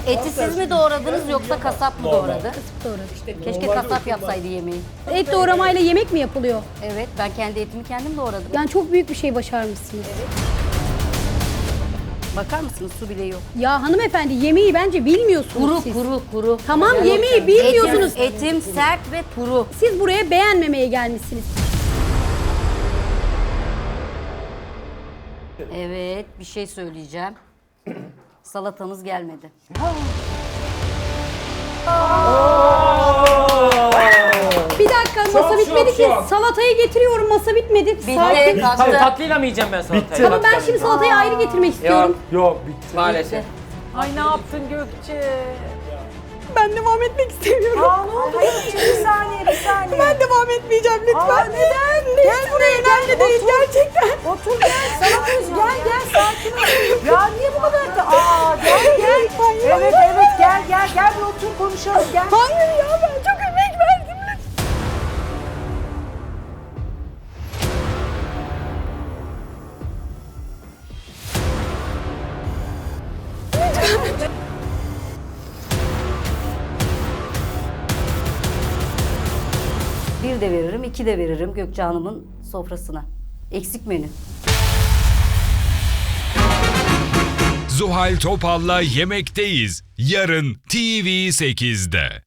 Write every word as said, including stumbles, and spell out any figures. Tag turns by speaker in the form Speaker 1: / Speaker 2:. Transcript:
Speaker 1: Eti siz mi doğradınız yoksa kasap mı doğradı?
Speaker 2: Kasıp doğradım.
Speaker 1: Keşke kasap yapsaydı yemeği.
Speaker 2: Et doğramayla yemek mi yapılıyor?
Speaker 1: Evet, ben kendi etimi kendim doğradım.
Speaker 2: Yani çok büyük bir şey başarmışsınız.
Speaker 1: Bakar mısınız, su bile yok.
Speaker 2: Ya hanımefendi yemeği bence bilmiyorsunuz
Speaker 1: Kuru
Speaker 2: siz.
Speaker 1: kuru kuru.
Speaker 2: Tamam, yemeği bilmiyorsunuz.
Speaker 1: Etim, etim sert ve kuru.
Speaker 2: Siz buraya beğenmemeye gelmişsiniz.
Speaker 1: Evet, bir şey söyleyeceğim. Salatanız gelmedi.
Speaker 2: Bir dakika, masa
Speaker 3: Şok,
Speaker 2: bitmedi
Speaker 3: şok,
Speaker 2: ki.
Speaker 3: şok.
Speaker 2: Salatayı getiriyorum, masa bitmedi.
Speaker 1: Bitti,
Speaker 2: Sakin.
Speaker 4: Hayır
Speaker 1: kalktı.
Speaker 4: tatlıyla mı yiyeceğim ben salatayı?
Speaker 3: Bitti.
Speaker 2: Tamam, ben
Speaker 4: Tatlıyla
Speaker 2: şimdi
Speaker 4: mı
Speaker 2: salatayı ayrı getirmek istiyorum.
Speaker 3: Yok bitti.
Speaker 4: Maalesef.
Speaker 5: Ay ne yaptın Gökçe?
Speaker 2: Ben devam etmek istemiyorum.
Speaker 5: Aa ne oldu Gökçe? Bir saniye bir saniye.
Speaker 2: Ben devam etmeyeceğim lütfen.
Speaker 5: Aa neden?
Speaker 2: Gel buraya, önemli değil gerçekten.
Speaker 5: Otur gel salatayız gel gel sakin ol. Ya niye bu kadar da? Aa gel gel. Evet evet gel gel gel bir otur konuşalım gel.
Speaker 2: Hayır ya, ben çok emek verdim.
Speaker 1: Bir de veririm, iki de veririm Gökçe Hanım'ın sofrasına. Eksik menü.
Speaker 6: Zuhal Topal'la Yemekteyiz. Yarın T V sekizde.